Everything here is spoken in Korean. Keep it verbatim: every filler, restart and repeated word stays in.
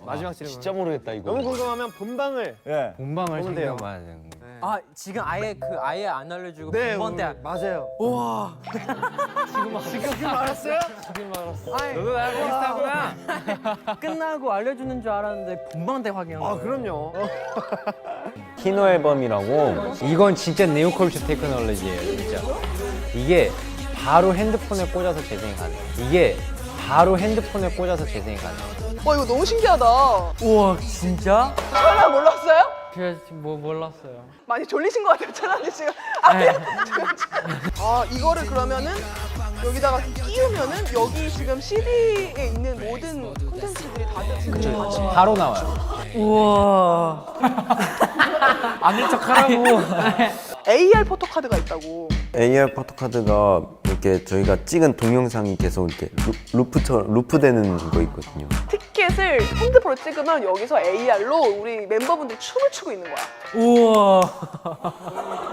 마지막 질문. 진짜 모르겠다 이거. 너무 궁금하면 본방을. 예. 본방을 보면 돼요. 챙겨봐야 되는 거. 아 지금 아예 그 아예 안 알려주고 네, 본번 때. 오늘 맞아요. 우와. 지금 알았어요? 아니, 너도 나랑 비슷하구나. 끝나고 알려주는 줄 알았는데 본방 때 확인한 아 거예요. 그럼요. 키노 앨범이라고. 이건 진짜 네오컬처 테크놀로지예요, 진짜. 이게 바로 핸드폰에 꽂아서 재생이 가능해요. 이게 바로 핸드폰에 꽂아서 재생이 가능해요. 와 이거 너무 신기하다. 우와 진짜? 철아 몰랐어요? 제가 뭐 몰랐어요. 많이 졸리신 것 같아요, 철아님 지금. 아, 네. 아 이거를 그러면은 여기다가 끼우면은 여기 지금 씨디에 있는 모든 콘텐츠들이 다 들어있는 거죠. 바로 나와요. 우와. 아는 척하라고. 에이알 포토카드가 있다고. 에이알 포토카드가 이렇게 저희가 찍은 동영상이 계속 이렇게 루, 루프처럼 루프되는 거 있거든요. 티켓을 핸드폰으로 찍으면 여기서 에이알로 우리 멤버분들이 춤을 추고 있는 거야. 우와.